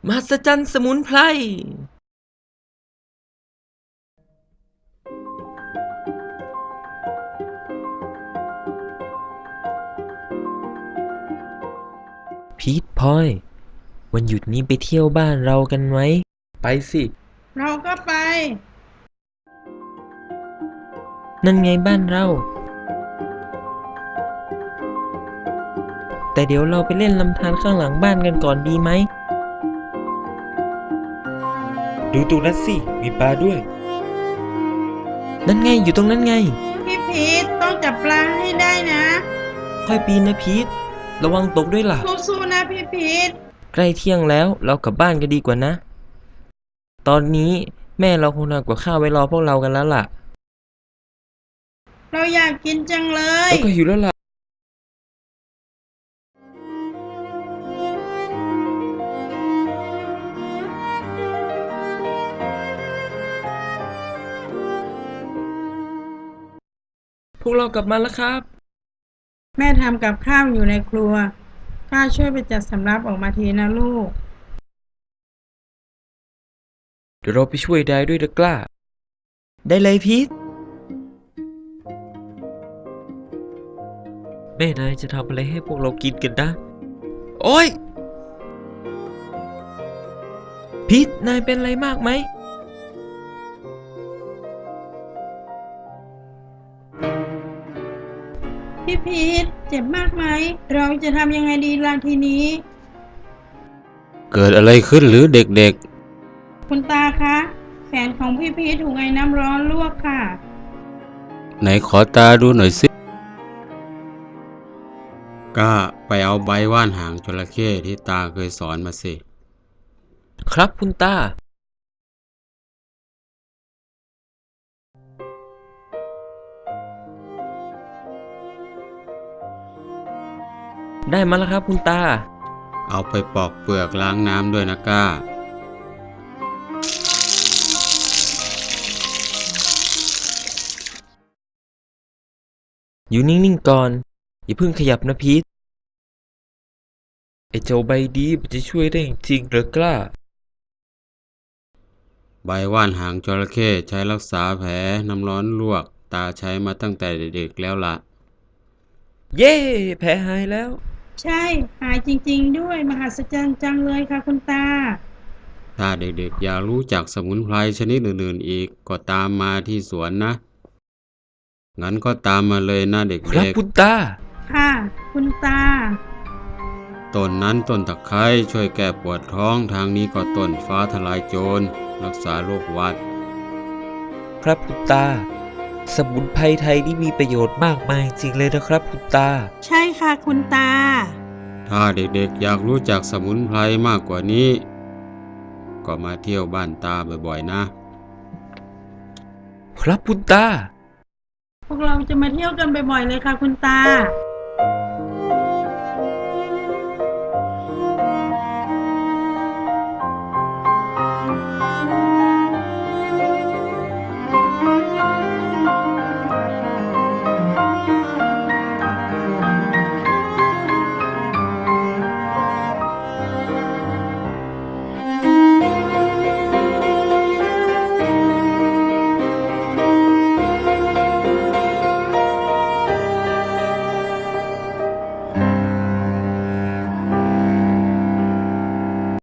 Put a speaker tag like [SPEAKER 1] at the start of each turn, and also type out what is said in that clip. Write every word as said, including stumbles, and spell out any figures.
[SPEAKER 1] มหัศจรรย์สมุนไพรพีทพลอยวันหยุดนี้ไปเที่ยวบ้านเรากันไหมไปสิ
[SPEAKER 2] เราก็ไป
[SPEAKER 1] นั่นไงบ้านเราแต่เดี๋ยวเราไปเล่นลำธารข้างหลังบ้านกันก่อนดีไหมดูตรงนั้นสิมีปลาด้วยนั่นไงอยู่ตรงนั้นไง
[SPEAKER 2] พี่พีทต้องจับปลาให้ได้นะ
[SPEAKER 1] ค่อยปีนนะพีทระวังตกด้วยล่ะ
[SPEAKER 2] สู้ๆนะพี่พีท
[SPEAKER 1] ใกล้เที่ยงแล้วเรากลับบ้านกันดีกว่านะตอนนี้แม่เราคงทำกับข้าวไว้รอพวกเรากันแล้วล่ะ
[SPEAKER 2] เราอยากกินจังเลย
[SPEAKER 1] แล้วก็หิวแล้วล่ะพวกเรากลับมาแล้วครับ
[SPEAKER 2] แม่ทำกับข้าวอยู่ในครัวข้าช่วยไปจัดสำรับออกมาทีนะลูก
[SPEAKER 1] เดี๋ยวเราไปช่วยได้ด้วยนะกล้าได้เลยพีทแม่นายจะทำอะไรให้พวกเรากินกันนะโอ้ยพีทนายเป็นอะไรมากไหม
[SPEAKER 2] พี่พีทเจ็บมากไหมเราจะทำยังไงดีล่ะทีนี้
[SPEAKER 3] เกิดอะไรขึ้นหรือเด็ก
[SPEAKER 2] คุณตาคะแขนของพี่พีทถูกไอ้น้ำร้อนลวกค่ะ
[SPEAKER 3] ๆไหนขอตาดูหน่อยสิก็ไปเอาใบว่านหางจระเข้ที่ตาเคยสอนมาสิ
[SPEAKER 1] ครับคุณตาได้มาแล้วครับคุณตา
[SPEAKER 3] เอาไปปอกเปลือกล้างน้ำด้วยนะก้า
[SPEAKER 1] อยู่นิ่งๆก่อนอย่าเพิ่งขยับนะพีทไอ้เจ้าใบดีมันจะช่วยได้จริงหรือกล้า
[SPEAKER 3] ใบว่านหางจระเข้ใช้รักษาแผลน้ำร้อนลวกตาใช้มาตั้งแต่เด็กๆแล้วล่ะ
[SPEAKER 1] เย้แผลหายแล้ว
[SPEAKER 2] ใช่หายจริงๆด้วยมหัศจรรย์จังเลยค่ะคุณตา
[SPEAKER 3] ถ้าเด็กๆอยากรู้จักสมุนไพรชนิดอื่นๆอีกก็ตามมาที่สวนนะงั้นก็ตามมาเลยนะเ
[SPEAKER 1] ครับ
[SPEAKER 3] ด็ก
[SPEAKER 1] คุณตา
[SPEAKER 2] ค่ะคุณตา
[SPEAKER 3] ๆต้นนั้นต้นตะไคร้ช่วยแก้ปวดท้องทางนี้ก็ต้นฟ้าทลายโจรรักษาโรคหวัด
[SPEAKER 1] ครับคุณตาสมุนไพรไทยนี่มีประโยชน์มากมายจริงเลยนะครับคุณตา
[SPEAKER 2] ใช่ค่ะคุณตา
[SPEAKER 3] ถ้าเด็กๆอยากรู้จักสมุนไพรมากกว่านี้ก็มาเที่ยวบ้านตาบ่อยๆ
[SPEAKER 1] ครับคุณตา
[SPEAKER 2] พวกเราจะมาเที่ยวกันบ่อยๆเลยค่ะคุณตา